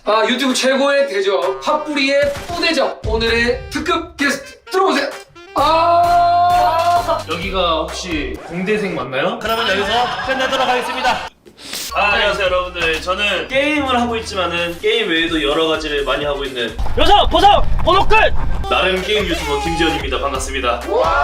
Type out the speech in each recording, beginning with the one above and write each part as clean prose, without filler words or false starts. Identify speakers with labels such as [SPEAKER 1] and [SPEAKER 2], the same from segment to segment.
[SPEAKER 1] 유튜브 최고의 대접 팝뿌리의 뿌대접 오늘의 특급 게스트 들어오세요.
[SPEAKER 2] 여기가 혹시 공대생 맞나요?
[SPEAKER 3] 그러면 여기서 끝내도록 하겠습니다.
[SPEAKER 2] 안녕하세요 여러분들. 저는 게임을 하고 있지만은 게임 외에도 여러 가지를 많이 하고 있는
[SPEAKER 3] 여기서 보석 번호 끝.
[SPEAKER 2] 나름 게임 유튜버 김지현입니다. 반갑습니다.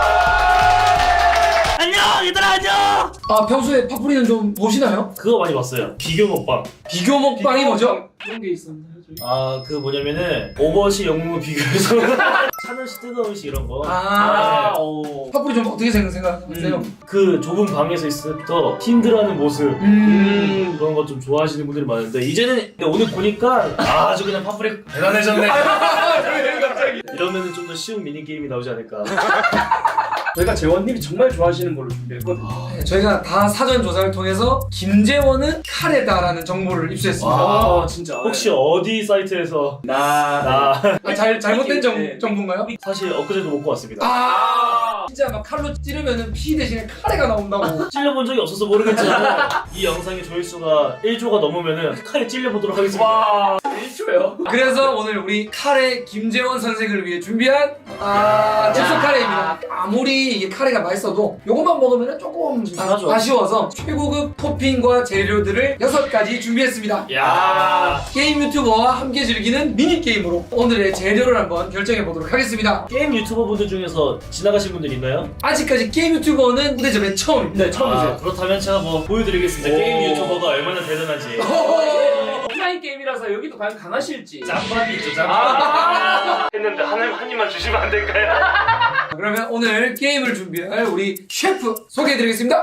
[SPEAKER 3] 안녕 얘들아 안녕.
[SPEAKER 1] 평소에 팝뿌리는 좀 보시나요?
[SPEAKER 2] 그거 많이 봤어요. 비교 먹방.
[SPEAKER 1] 비교 먹방이 뭐죠?
[SPEAKER 4] 그런 게 있었나요, 저희?
[SPEAKER 2] 그 뭐냐면은 오버워치 영웅을 비교해서 하늘씩 뜨거운 시 이런 거.
[SPEAKER 1] 팝뿌리 좀 어떻게 생각하세요?
[SPEAKER 2] 그 좁은 방에서 있을 때부터 힘들어하는 모습 그런 거 좀 좋아하시는 분들이 많은데 이제는 오늘 보니까 아주 그냥 팝뿌리 대단해졌네. 이러면은 좀 더 쉬운 미니 게임이 나오지 않을까.
[SPEAKER 4] 저희가 재원님이 정말 좋아하시는 걸로 준비했거든요.
[SPEAKER 1] 저희가 다 사전 조사를 통해서 김재원은 카레다라는 정보를 입수했습니다.
[SPEAKER 4] 진짜.
[SPEAKER 2] 혹시 어디 사이트에서
[SPEAKER 1] 잘못된
[SPEAKER 4] 네.
[SPEAKER 1] 정보인가요?
[SPEAKER 2] 사실 엊그제도 먹고 왔습니다.
[SPEAKER 1] 진짜 막 칼로 찌르면은 피 대신에 카레가 나온다고.
[SPEAKER 2] 찔려본 적이 없어서 모르겠지만 이 영상의 조회수가 1조가 넘으면은 칼에 찔려보도록 하겠습니다.
[SPEAKER 4] 1초요?
[SPEAKER 1] 그래서 오늘 우리 카레 김재원 선생을 위해 준비한 즉석 카레입니다. 아무리 이게 카레가 맛있어도 요것만 먹으면 조금
[SPEAKER 2] 이상하죠.
[SPEAKER 1] 아쉬워서 최고급 토핑과 재료들을 6가지 준비했습니다.
[SPEAKER 2] 야
[SPEAKER 1] 게임 유튜버와 함께 즐기는 미니게임으로 오늘의 재료를 한번 결정해 보도록 하겠습니다.
[SPEAKER 2] 게임 유튜버 분들 중에서 지나가신 분들 있나요?
[SPEAKER 1] 아직까지 게임 유튜버는 무대접의 처음입니다.
[SPEAKER 4] 네, 처음이세요.
[SPEAKER 2] 그렇다면 제가 뭐 보여드리겠습니다. 게임 유튜버가 얼마나 대단한지.
[SPEAKER 4] 오프라인 게임이라서 여기도 과연 강하실지.
[SPEAKER 2] 짬밥이 있죠, 짬밥. 했는데 한 입만 주시면 안 될까요?
[SPEAKER 1] 그러면 오늘 게임을 준비할 우리 셰프 소개해드리겠습니다.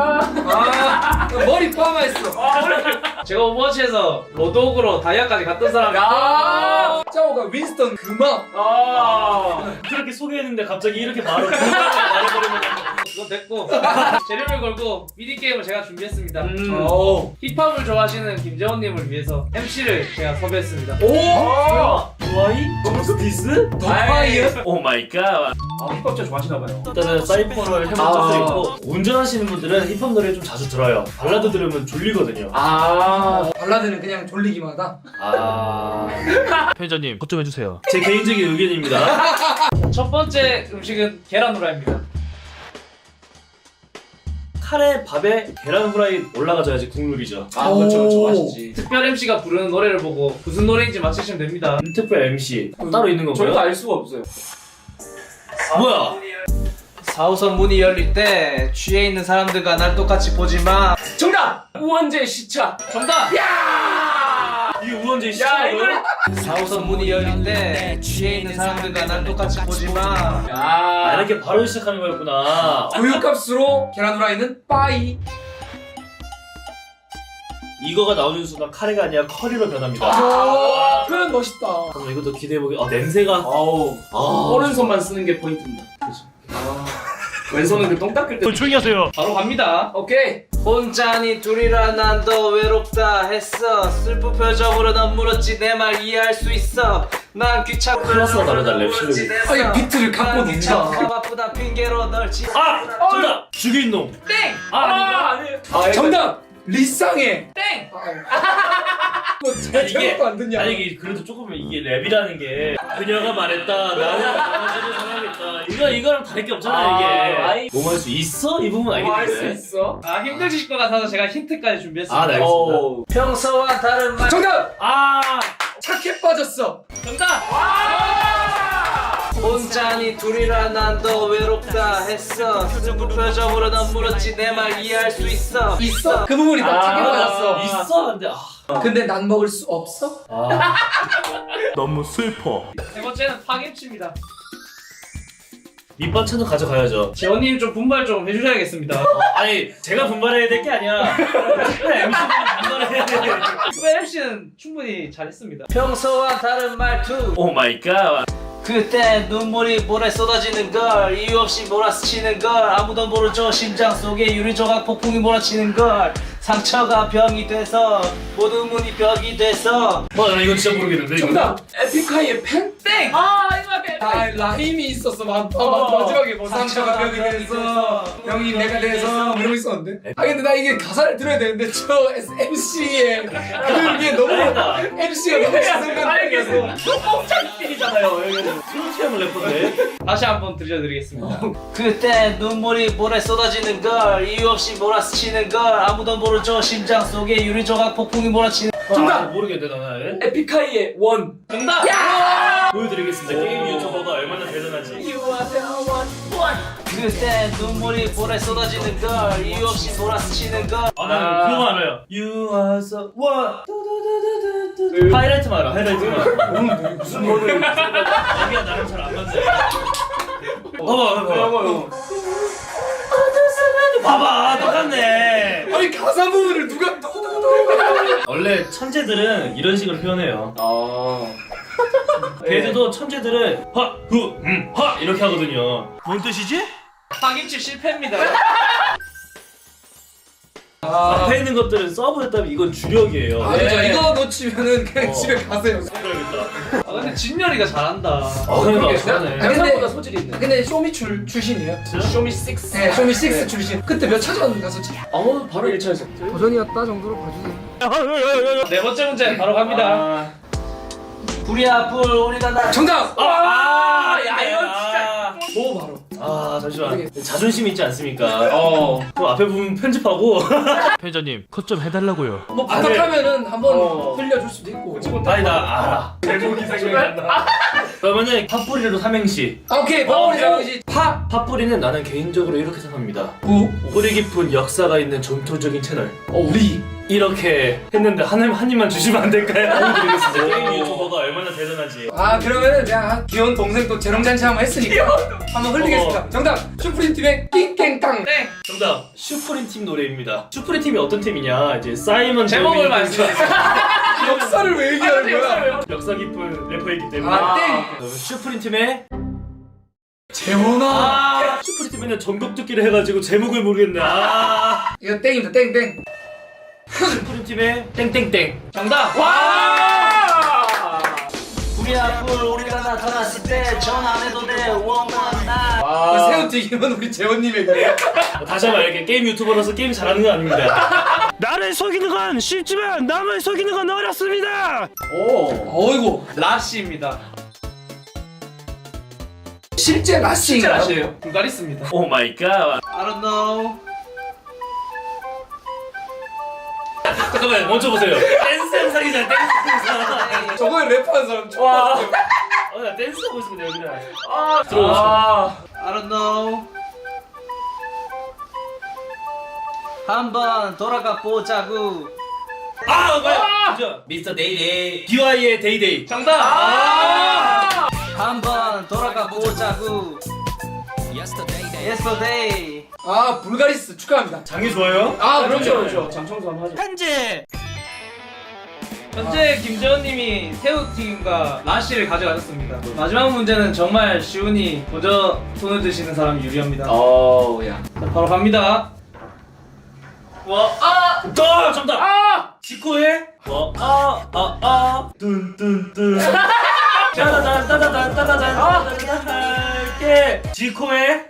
[SPEAKER 1] 머리 파마했어.
[SPEAKER 4] 제가 오버워치에서 로드오그로 다이아까지 갔던 사람이야.
[SPEAKER 1] 짜오가 윈스턴 금막.
[SPEAKER 2] 그렇게 소개했는데 갑자기 이렇게 말해버리면
[SPEAKER 4] 그건 됐고 재료를 걸고 미니게임을 제가 준비했습니다.
[SPEAKER 1] 오.
[SPEAKER 4] 힙합을 좋아하시는 김재원님을 위해서 MC를 제가 섭외했습니다.
[SPEAKER 2] 와이? 저스티스?
[SPEAKER 1] 더 파이어?
[SPEAKER 2] 오 마이 갓.
[SPEAKER 4] 힙합 진짜 좋아하시나봐요.
[SPEAKER 2] 일단은 사이퍼를 해본 적도 있고 운전하시는 분들은 힙합 노래 좀 자주 들어요. 발라드 들으면 졸리거든요.
[SPEAKER 1] 발라드는 그냥 졸리기만 하다.
[SPEAKER 3] 편의자님 것 좀 해주세요.
[SPEAKER 2] 제 개인적인 의견입니다.
[SPEAKER 4] 첫 번째 음식은 계란 후라이입니다.
[SPEAKER 2] 카레 밥에 계란 후라이 올라가줘야지 국룰이죠.
[SPEAKER 4] 그렇죠. 맛있지. 특별 MC가 부르는 노래를 보고 무슨 노래인지 맞히시면 됩니다.
[SPEAKER 2] 특별 MC 따로 있는 건가요?
[SPEAKER 4] 저희도 알 수가 없어요.
[SPEAKER 2] 뭐야?
[SPEAKER 4] 4호선 문이 열릴 때 취해 있는 사람들과 날 똑같이 보지 마.
[SPEAKER 1] 정답!
[SPEAKER 4] 우원재 시차. 정답.
[SPEAKER 2] 이게 우원재 시청이에요?
[SPEAKER 4] 4호선 문이 열릴 때 취해 있는 사람들과 날 똑같이 보지 마.
[SPEAKER 2] 이렇게 바로 시작하는 거였구나.
[SPEAKER 1] 교육값으로 계란 후라이는 빠이.
[SPEAKER 2] 이거가 나오는 순간 카레가 아니라 커리로 변합니다.
[SPEAKER 1] 표현 멋있다.
[SPEAKER 2] 그럼 이것도 기대해보기. 냄새가.
[SPEAKER 4] 오른손만 쓰는 게 포인트입니다. 왼손은 그 똥 닦을 때.
[SPEAKER 3] 조용히 하세요.
[SPEAKER 4] 바로 갑니다.
[SPEAKER 1] 오케이.
[SPEAKER 4] 혼자니 둘이라 난 더 외롭다 했어. 슬픈 표정으로 넌 물었지 내 말 이해할 수 있어. 난 귀찮고
[SPEAKER 2] 클래스가 다르다, 랩 실력이.
[SPEAKER 1] 이 비트를 갖고 논다.
[SPEAKER 4] 귀찮고 바쁘다 핑계로 널 지.
[SPEAKER 2] 정답! 죽인 놈.
[SPEAKER 4] 땡!
[SPEAKER 2] 아닌가?
[SPEAKER 1] 정답! 리쌍해.
[SPEAKER 4] 땡!
[SPEAKER 1] 뭐 제목도 안 듣냐?
[SPEAKER 2] 아니 이게 그래도 조금 이게 랩이라는 게 그녀가 말했다 나는 안아주는 사람이 있다 이거랑 다를 게 없잖아 이게 뭐 할 수 있어? 이 부분
[SPEAKER 4] 할 수
[SPEAKER 2] 알겠는데
[SPEAKER 4] 있어? 힘드실 것 같아서 제가 힌트까지 준비했습니다.
[SPEAKER 2] 네 알겠습니다
[SPEAKER 4] 평소와 다른 말.
[SPEAKER 1] 정답! 착해 빠졌어.
[SPEAKER 4] 정답! 혼자니 둘이라 난 더 외롭다 했어. 슬픈 표정으로 넌 물었지 내 말 이해할 수 있어.
[SPEAKER 1] 있어? 그 부분이다. 착해 빠졌어.
[SPEAKER 2] 있어? 근데
[SPEAKER 1] 근데 난 먹을 수 없어?
[SPEAKER 3] 너무 슬퍼.
[SPEAKER 4] 세 번째는 파김치입니다.
[SPEAKER 2] 밑반찬은 가져가야죠
[SPEAKER 4] 재원님 좀 분발 좀 해주셔야겠습니다.
[SPEAKER 2] 아니 제가 분발해야 될 게 아니야 MC가 분발해야 돼
[SPEAKER 4] 특별 MC는 충분히 잘했습니다. 평소와 다른 말투.
[SPEAKER 2] 오 마이 갓
[SPEAKER 4] 그때 눈물이 모래 쏟아지는 걸 이유 없이 몰아스치는 걸 아무도 모르죠 심장 속에 유리 조각 폭풍이 몰아치는 걸 상처가 병이 돼서 모든 문이 벽이 돼서.
[SPEAKER 2] 나 이거 진짜 모르겠는데. 이거.
[SPEAKER 1] 정답! 에픽하이의 펜?
[SPEAKER 4] 땡!
[SPEAKER 1] 아 라임이 있었어. 마지막에 뭐 상처가 벽이 돼서 병이 내가 돼서 뭐 이런 거 있었는데. 아 근데 나 이게 가사를 들어야 되는데 저 MC의 그게 너무 MC가 너무 시선감이라서.
[SPEAKER 2] 짱끼리잖아요. 스로티엄을 래퍼인데.
[SPEAKER 4] 다시 한번 들려드리겠습니다. 그때 눈물이 모래 쏟아지는 걸, 이유 없이 몰아치는 걸, 아무도 모르죠. 심장 속에 유리 조각 폭풍이 몰아치는.
[SPEAKER 1] 정답!
[SPEAKER 2] 모르겠네 나는.
[SPEAKER 1] 에픽하이의 원.
[SPEAKER 4] 정답!
[SPEAKER 2] 보여드리겠습니다. 게임 유튜버가 얼마나 대단한지.
[SPEAKER 4] 그때 눈물이 모래 쏟아지는 걸, 이유 없이 몰아치는 걸.
[SPEAKER 2] 나는 그거 알아요. You are so what? 하이라이트만 알아. 하이라이트만. 무슨 노래? 여기가 나랑 잘 안 맞네. 봐봐. 봐봐, 똑같네.
[SPEAKER 1] 아니 가사 부분을 누가 또
[SPEAKER 2] 원래 천재들은 이런 식으로 표현해요. 걔들도 천재들은 하 이렇게 하거든요.
[SPEAKER 3] 뭔 뜻이지?
[SPEAKER 4] 파김치 실패입니다.
[SPEAKER 2] 앞에 있는 것들은 서브했다면 이건 주력이에요.
[SPEAKER 1] 아 그죠.
[SPEAKER 4] 네.
[SPEAKER 1] 이거 놓치면은 그냥
[SPEAKER 2] 어.
[SPEAKER 1] 집에 가세요.
[SPEAKER 2] 그래야겠다.
[SPEAKER 4] 근데 진열이가 잘한다.
[SPEAKER 2] 그러니까 잘하네.
[SPEAKER 1] 생각보다 소질이 있네. 근데 쇼미 출신이에요.
[SPEAKER 2] 쇼미 6.
[SPEAKER 1] 네, 쇼미 6 출신. 그때 몇 차전 갔었지?
[SPEAKER 2] 바로 1차에서.
[SPEAKER 1] 도전이었다 정도로 봐주세요.
[SPEAKER 4] 네 번째 문제 바로 갑니다. 불이야 불 우리가 나.
[SPEAKER 1] 정답!
[SPEAKER 4] 야 이거 진짜.
[SPEAKER 1] 뭐 바로.
[SPEAKER 2] 잠시만. 자존심 있지 않습니까? 그럼 앞에 부분 편집하고.
[SPEAKER 3] 편의자님 컷 좀 해달라고요.
[SPEAKER 1] 뭐 부탁하면은 한번 흘려줄 수도 있고.
[SPEAKER 2] 아니 나 알아. 제목이 생각이 안 나. 그러면은 팥뿌리로 삼행시.
[SPEAKER 1] 아, 오케이. 파워리 장시 파.
[SPEAKER 2] 팥뿌리는 나는 개인적으로 이렇게 생각합니다.
[SPEAKER 1] 구.
[SPEAKER 2] 뿌리 깊은 역사가 있는 전통적인 채널.
[SPEAKER 1] 우리.
[SPEAKER 2] 이렇게 했는데 한 입만 주시면 안 될까요? 보여드리겠습니다. 게임 유튜버가 얼마나 대단한지.
[SPEAKER 1] 아 그러면은 그냥 한 귀여운 동생 또 재롱잔치 한번 했으니까 한번 흘리겠습니다. 정답. 슈프림 팀의 낑깽땅.
[SPEAKER 4] 땡.
[SPEAKER 2] 정답. 슈프림 팀 노래입니다. 슈프림 팀이 어떤 팀이냐? 이제 사이먼
[SPEAKER 4] 제목을
[SPEAKER 2] 데뷔
[SPEAKER 4] 말씀해.
[SPEAKER 1] 역사를 왜 얘기하는 거야?
[SPEAKER 2] 역사 깊은 래퍼이기 때문에.
[SPEAKER 1] 아 땡.
[SPEAKER 2] 그러면 슈프림 팀의
[SPEAKER 1] 재원아.
[SPEAKER 2] 슈프림 팀에는 전곡 듣기를 해가지고 제목을 모르겠네.
[SPEAKER 1] 이거 땡입니다. 땡땡.
[SPEAKER 2] 슈프림 팀의 땡땡땡.
[SPEAKER 4] 정답. 와. 불이야 불 우리가 나타났을 때 전 안 해도 돼 원만 나.
[SPEAKER 1] 새우튀김은 우리 재원님에게.
[SPEAKER 2] 다시 한번 이렇게 게임 유튜버로서 게임 잘하는 건 아닙니다.
[SPEAKER 3] 나를 속이는 건 쉽지만 남을 속이는 건 어렵습니다.
[SPEAKER 1] 어이구.
[SPEAKER 4] 라시입니다.
[SPEAKER 1] 실제 라시인가요?
[SPEAKER 4] 라시예요. 불가리스입니다.
[SPEAKER 2] 오 마이 갓.
[SPEAKER 4] I don't know.
[SPEAKER 2] 잠깐만 멈춰보세요. 댄스 영상이잖아. 댄스 영상.
[SPEAKER 1] 저거에 랩하는 사람 처음
[SPEAKER 2] 와.
[SPEAKER 1] 봤어요.
[SPEAKER 2] 나 댄스 하고 있습니다 여기는.
[SPEAKER 4] I don't know. 한번 돌아가 보자구.
[SPEAKER 2] 뭐야? 미스터 데이데이. DY의 데이데이.
[SPEAKER 4] 정답. 한번 돌아가 보자구. Yesterday.
[SPEAKER 1] 아 불가리스 축하합니다.
[SPEAKER 2] 장이 좋아요?
[SPEAKER 1] 아 그럼요.
[SPEAKER 4] 그렇죠. 장청소 한번 하죠. 현재 김재원님이 새우튀김과 라시를 가져가셨습니다. 마지막 문제는 정말 쉬우니 먼저 손을 드시는 사람이 유리합니다.
[SPEAKER 1] 어우야.
[SPEAKER 4] 자, 바로 갑니다.
[SPEAKER 2] 정답. 지코의 뚠뚠뚠. 짜다단 할게. 지코의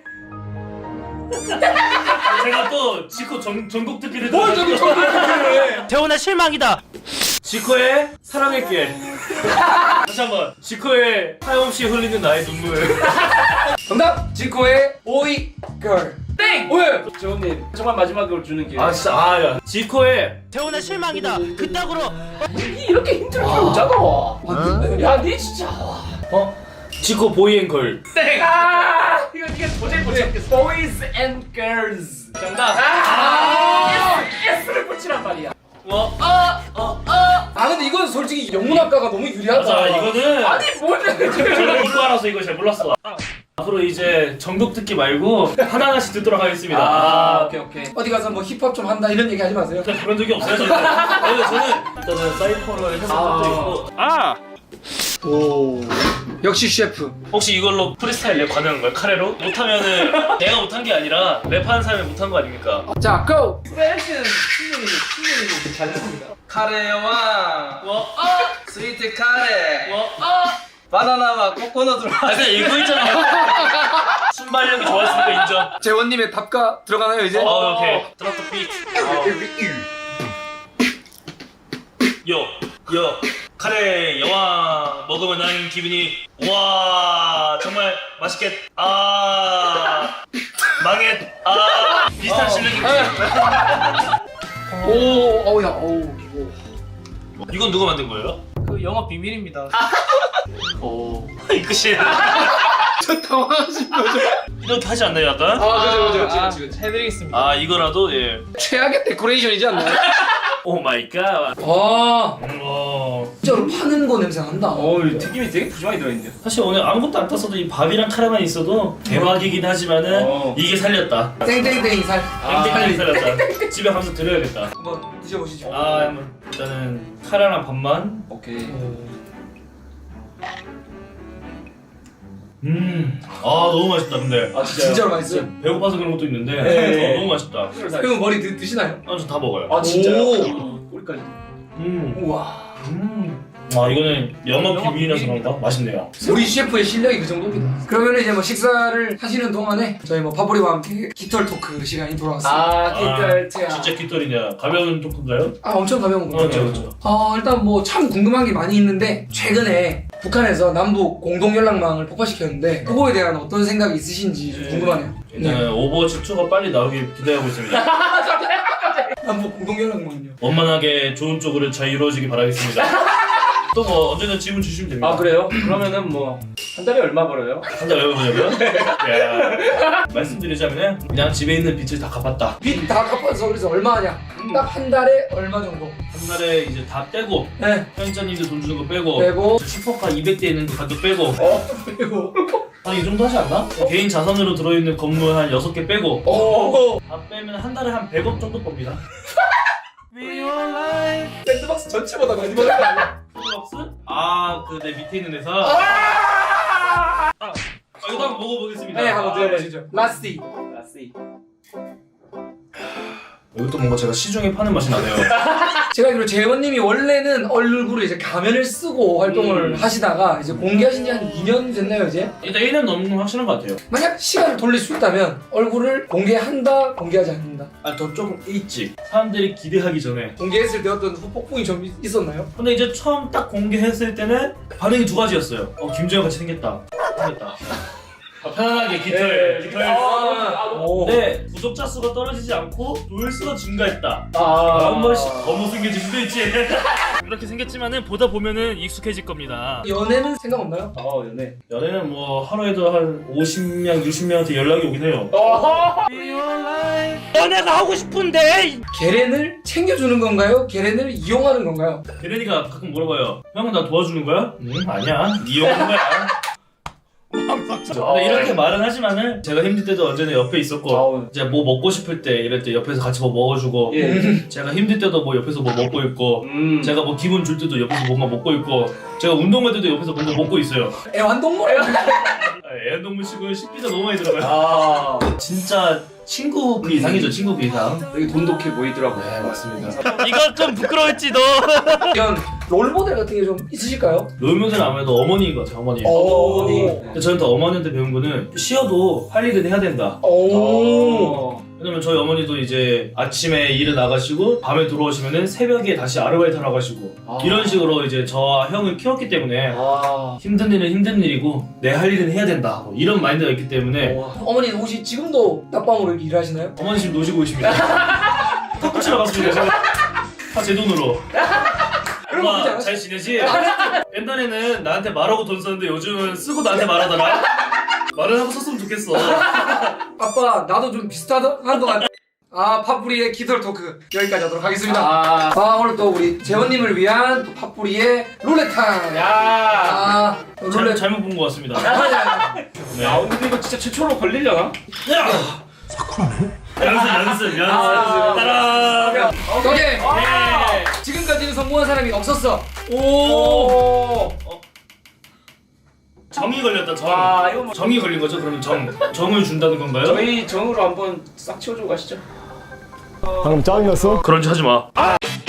[SPEAKER 2] 제가 또 지코 전곡 듣기를
[SPEAKER 1] 뭘 저기 저기
[SPEAKER 3] 재훈아 실망이다.
[SPEAKER 2] 지코의 사랑할게. 다시 한번. 지코의 하염없이 흘리는 나의 눈물.
[SPEAKER 1] 정답. 지코의 오이 걸.
[SPEAKER 4] 땡!
[SPEAKER 1] 왜?
[SPEAKER 4] 재원님 정말 마지막으로 주는 기회.
[SPEAKER 2] 진짜 야. 지코의
[SPEAKER 3] 재훈아 실망이다. 그따구로
[SPEAKER 1] 이렇게 힘들게 웃잖아. 야니 진짜.
[SPEAKER 2] 지코 보이앤걸.
[SPEAKER 4] 땡! 이거 도저히 못 찾겠어.
[SPEAKER 1] Boys and girls.
[SPEAKER 4] 정답.
[SPEAKER 1] S를 붙이란 말이야. 아 근데 이건 솔직히 영문학과가 너무 유리하다.
[SPEAKER 2] 맞아 이거는
[SPEAKER 1] 아니 뭐는
[SPEAKER 2] 저는 이거 알아서 이거 잘 몰랐어. 앞으로 이제 전곡 듣기 말고 하나하나씩 듣도록 하겠습니다.
[SPEAKER 1] 오케이. 어디 가서 뭐 힙합 좀 한다 이런 얘기 하지 마세요.
[SPEAKER 2] 일단 그런 적이 없어요 저는. 저는 일단은 사이퍼를 해본 적도 있고.
[SPEAKER 1] 역시 셰프.
[SPEAKER 2] 혹시 이걸로 프리스타일 랩 가능한 거야? 카레로? 못하면은 내가 못한 게 아니라 랩하는 사람이 못한 거 아닙니까?
[SPEAKER 1] 자, 고!
[SPEAKER 4] 스페이스는 충분히 잘했습니다. 카레 여왕. 스위트 카레. 바나나와 코코넛으로.
[SPEAKER 2] 아 근데 이거 있잖아. 순발력이 좋았으니까 인정.
[SPEAKER 1] 재원님의 답가 들어가나요 이제?
[SPEAKER 2] 오케이. 드랍 더 비트. 요 카레 여왕 먹으면 나는 기분이 와 정말 맛있겠 망했 비슷한 실력이.
[SPEAKER 1] 어우야, 어우, 이거.
[SPEAKER 2] 이건 누가 만든 거예요?
[SPEAKER 4] 그 영업 비밀입니다.
[SPEAKER 2] 이 끝이.
[SPEAKER 1] 저 당황하신 거죠?
[SPEAKER 2] 이렇게 하지 않나요 약간?
[SPEAKER 1] 그죠.
[SPEAKER 4] 해드리겠습니다.
[SPEAKER 2] 이거라도 예.
[SPEAKER 1] 최악의 데코레이션이지 않나요?
[SPEAKER 2] 오 마이 갓.
[SPEAKER 1] 진짜로 파는 거 냄새 난다.
[SPEAKER 3] 튀김이 되게 푸짐하게 들어있는데.
[SPEAKER 2] 사실 오늘 아무것도 안 땄어도 이 밥이랑 카레만 있어도 대박이긴 하지만은 이게 살렸다.
[SPEAKER 1] 땡땡땡 살.
[SPEAKER 2] 땡땡이 살렸다. 집에 가서 드려야겠다.
[SPEAKER 1] 한번 드셔보시죠.
[SPEAKER 2] 한번 일단은 카레랑 밥만.
[SPEAKER 3] 오케이.
[SPEAKER 2] 너무 맛있다 근데.
[SPEAKER 1] 진짜로 맛있어요.
[SPEAKER 2] 배고파서 그런 것도 있는데
[SPEAKER 3] 네.
[SPEAKER 2] 너무 맛있다.
[SPEAKER 1] 그럼 머리 드시나요?
[SPEAKER 2] 저 다 먹어요.
[SPEAKER 1] 진짜요?
[SPEAKER 3] 꼬리까지.
[SPEAKER 1] 우와.
[SPEAKER 2] 이거는 영업 비밀이라서 그런가? 맛있네요.
[SPEAKER 1] 우리 셰프의 실력이 그 정도입니다. 그러면 이제 뭐 식사를 하시는 동안에 저희 뭐 파보리와 함께 깃털 토크 시간이 돌아왔습니다.
[SPEAKER 2] 진짜 깃털이냐? 가벼운 토크인가요?
[SPEAKER 1] 엄청 가벼운 거.
[SPEAKER 2] 그렇죠.
[SPEAKER 1] 일단 뭐 참 궁금한 게 많이 있는데 최근에 북한에서 남북 공동 연락망을 폭파시켰는데 그거에 대한 어떤 생각이 있으신지 좀 궁금하네요.
[SPEAKER 2] 일단 오버워치 2가 빨리 나오길 기대하고 있습니다.
[SPEAKER 1] 남북 공동 연락망은요.
[SPEAKER 2] 원만하게 좋은 쪽으로 잘 이루어지길 바라겠습니다. 또 뭐 언제든 질문 주시면 됩니다.
[SPEAKER 3] 그래요? 그러면은 뭐 한 달에 얼마 벌어요?
[SPEAKER 2] 한 달 왜 보냐고요? 말씀드리자면 그냥 집에 있는 빚을 다 갚았다.
[SPEAKER 1] 빚 다 갚아서 그래서 얼마 하냐? 딱 한 달에 얼마 정도?
[SPEAKER 2] 한 달에 이제 다 빼고
[SPEAKER 1] 네.
[SPEAKER 2] 편의점님들 돈 주는 거 빼고
[SPEAKER 1] 빼고
[SPEAKER 2] 슈퍼카 200대 있는 그 가격 빼고
[SPEAKER 1] 그리고
[SPEAKER 2] 한 이 정도 하지 않나? 개인 자산으로 들어있는 건물 한 6개 빼고 다 빼면 한 달에 한 100억 정도 법니다.
[SPEAKER 1] 샌드박스 전체보다 많이 벌는 거 아니야?
[SPEAKER 2] 샌드박스? 그 내 밑에 있는 회사. 이거 한번 먹어보겠습니다.
[SPEAKER 1] 네, 한번 드셔보시죠. 라스티.
[SPEAKER 2] 이것도 뭔가 제가 시중에 파는 맛이 나네요.
[SPEAKER 1] 제가 알기로 재원님이 원래는 얼굴에 이제 가면을 쓰고 활동을 하시다가 이제 공개하신 지 한 2년 됐나요 이제?
[SPEAKER 2] 일단 1년 넘는 건 확실한 것 같아요.
[SPEAKER 1] 만약 시간을 돌릴 수 있다면 얼굴을 공개한다, 공개하지 않는다.
[SPEAKER 2] 더 조금 일찍 사람들이 기대하기 전에.
[SPEAKER 1] 공개했을 때 어떤 폭풍이 좀 있었나요?
[SPEAKER 2] 근데 이제 처음 딱 공개했을 때는 반응이 두 가지였어요. 김재현 같이 생겼다. 편안하게 깃털 근데 구독자 수가 떨어지지 않고 조회수가 증가했다. 한 번씩 더 못생겨질 수도 있지. 이렇게 생겼지만은 보다 보면은 익숙해질 겁니다.
[SPEAKER 1] 연애는 생각 없나요?
[SPEAKER 2] 연애는 뭐 하루에도 한 50명, 60명한테 연락이 오긴 해요.
[SPEAKER 3] 연애가 하고 싶은데.
[SPEAKER 1] 계란을 챙겨주는 건가요? 계란을 이용하는 건가요?
[SPEAKER 2] 게레니가 가끔 물어봐요. 형은 나 도와주는 거야? 아니야. 이용하는 거야. 근데 이렇게 말은 하지만은 제가 힘들 때도 언제나 옆에 있었고 이제 뭐 먹고 싶을 때 이럴 때 옆에서 같이 뭐 먹어주고 제가 힘들 때도 뭐 옆에서 뭐 먹고 있고 제가 뭐 기분 줄 때도 옆에서 뭔가 먹고 있고 제가 운동할 때도 옆에서 뭔가 먹고 있어요.
[SPEAKER 1] 애완동물?
[SPEAKER 2] 애완동물 치고 식비가 너무 많이 들어가요. 진짜 친구 그 이상이죠. 친구 그 이상.
[SPEAKER 3] 되게 돈독해 보이더라고요.
[SPEAKER 2] 네 맞습니다.
[SPEAKER 3] 이거 좀 부끄러웠지 너.
[SPEAKER 1] 이런 롤모델 같은 게 좀 있으실까요?
[SPEAKER 2] 롤모델은 아무래도 어머니인 것 같아요. 어머니. 근데 저는 또 어머니한테 배운 거는 쉬어도 할 일은 해야 된다. 왜냐면 저희 어머니도 이제 아침에 일을 나가시고 밤에 들어오시면은 새벽에 다시 아르바이트 하러 가시고 이런 식으로 이제 저와 형을 키웠기 때문에 힘든 일은 힘든 일이고 내 할 일은 해야 된다 뭐 이런 마인드가 있기 때문에
[SPEAKER 1] 어머니는 혹시 지금도 낮밤으로 이렇게 일하시나요?
[SPEAKER 2] 어머니 지금 노시고 계십니다. 탁구 치러 갔습니다. 다 제 돈으로. 엄마 잘 지내지? 옛날에는 나한테 말하고 돈 썼는데 요즘은 쓰고 나한테 말하더라. 말을 하고 썼으면 좋겠어.
[SPEAKER 1] 아빠 나도 좀 비슷한 것 같아. 팥뿌리의 깃털 토크 여기까지 하도록 하겠습니다. 오늘 또 우리 재원님을 위한 또 팥뿌리의 룰렛타임. 룰렛
[SPEAKER 2] 잘못 본 것 같습니다. 네.
[SPEAKER 3] 근데 이거 진짜 최초로 걸리려나?
[SPEAKER 2] 연습. 따라.
[SPEAKER 1] 오케이. 지금까지는 성공한 사람이 없었어.
[SPEAKER 2] 정이 걸렸다 정.
[SPEAKER 1] 아 이거 뭐
[SPEAKER 2] 정이 걸린 거죠? 그러면 정을 준다는 건가요?
[SPEAKER 1] 저희 정으로 한번 싹 치워주고 가시죠.
[SPEAKER 5] 방금 짜증났어?
[SPEAKER 2] 그런 짓 하지 마.